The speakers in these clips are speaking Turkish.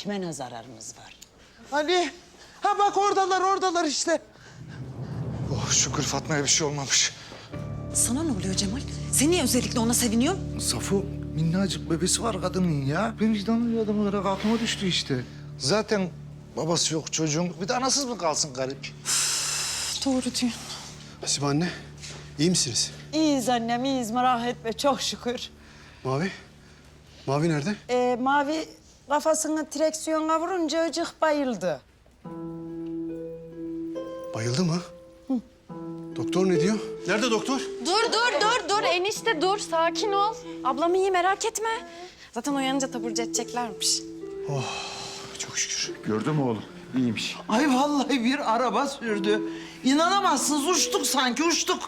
kime ne zararımız var? Hani? Ha bak oradalar işte. Oh şükür Fatma'ya bir şey olmamış. Sana ne oluyor Cemal? Sen niye özellikle ona seviniyorsun? Safo minnacık bebesi var kadının ya. Ben vicdanlı bir adamım olarak aklıma düştü işte. Zaten babası yok çocuğun. Bir de anasız mı kalsın garip? Doğru diyorsun. Hasibe anne, iyi misiniz? İyiyiz annem, iyiyiz. Merak etme, çok şükür. Mavi? Mavi nerede? Mavi kafasını direksiyona vurunca ıcık bayıldı. Bayıldı mı? Doktor ne diyor? Nerede doktor? Dur enişte dur sakin ol. Ablam iyi merak etme. Zaten uyanınca taburcu edeceklermiş. Çok şükür. Gördün mü oğlum? İyiymiş. Ay vallahi bir araba sürdü. İnanamazsınız, uçtuk sanki, uçtuk.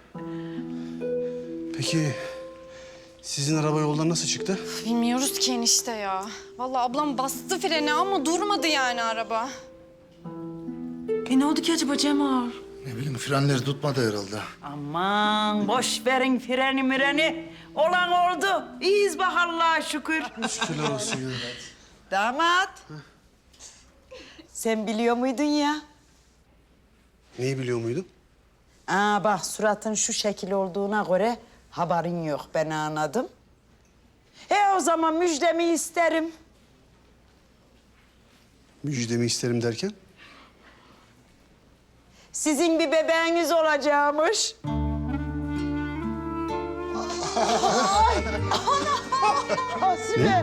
Peki sizin araba yoldan nasıl çıktı? Bilmiyoruz ki enişte ya. Vallahi ablam bastı freni ama durmadı yani araba. Ne oldu ki acaba Cemal? Ne bileyim frenleri tutmadı herhalde. Aman boş verin freni mireni. Olan oldu. İyiyiz bak Allah'a şükür. Şükürler olsun ya. Damat. Sen biliyor muydun ya? Neyi biliyor muydun? Bak suratın şu şekil olduğuna göre haberin yok, ben anladım. O zaman müjdemi isterim. Müjdemi isterim derken? Sizin bir bebeğiniz olacakmış. Ay, Hasibe.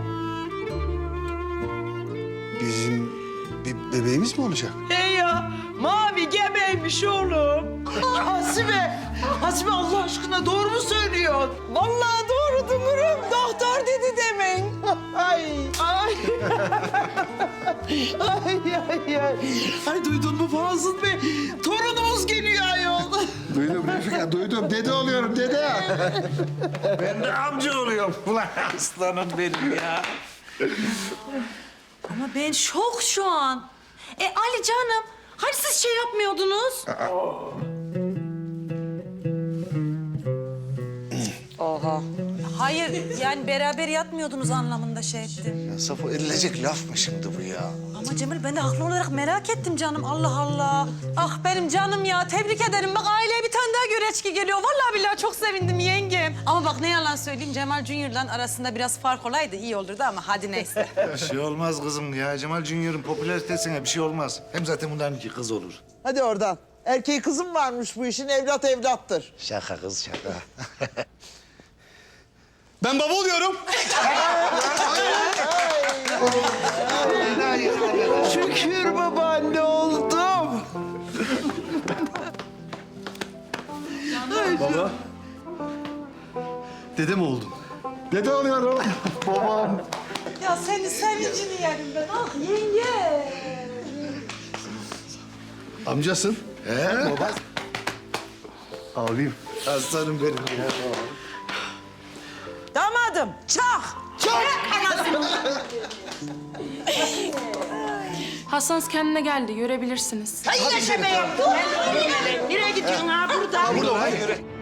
Bizim bir bebeğimiz mi olacak? Ya, Mavi gebeymiş oğlum. Hasibe, Hasibe Allah aşkına doğru mu söylüyorsun? Vallahi doğru Dumurum. Doktor dedi demin. Ay, ay. Ay duydun mu Fazıl Bey? Torunumuz geliyor ayol. Duydum Refika, duydum. Dede oluyorum, dede. Ben de amca oluyorum. Ulan aslanım benim ya. Ama ben şok şu an. Ali canım, hani siz şey yapmıyordunuz? Oha. Hayır, yani beraber yatmıyordunuz anlamında şey ettim. Ya Safo edilecek laf mı şimdi bu ya? Ama Cemal ben de haklı olarak merak ettim canım. Allah Allah. Ah benim canım ya. Tebrik ederim. Bak aileye bir tane daha göreçki geliyor. Vallahi billahi çok sevindim yengem. Ama bak ne yalan söyleyeyim Cemal Junior'la arasında biraz fark olaydı iyi olurdu ama hadi neyse. Bir şey olmaz kızım ya. Cemal Junior'ın popülaritesine bir şey olmaz. Hem zaten bunların iki kız olur. Hadi oradan. Erkeği kızım varmış bu işin, evlat evlattır. Şaka kız şaka. Ben baba oluyorum. Şükür babaanne oldum. Baba. Dede mi oldun? Dede oluyorum. Babam. Ya senin sevincini yerim ben. Ah yenge. Amcasın. He? Baba. Ağlayayım. Aslanım benim ya. Damadım, çak. Hastanız kendine geldi görebilirsiniz. Ay yine şebe yaptın. Nereye gidiyorsun ha burada? Burada, hayır.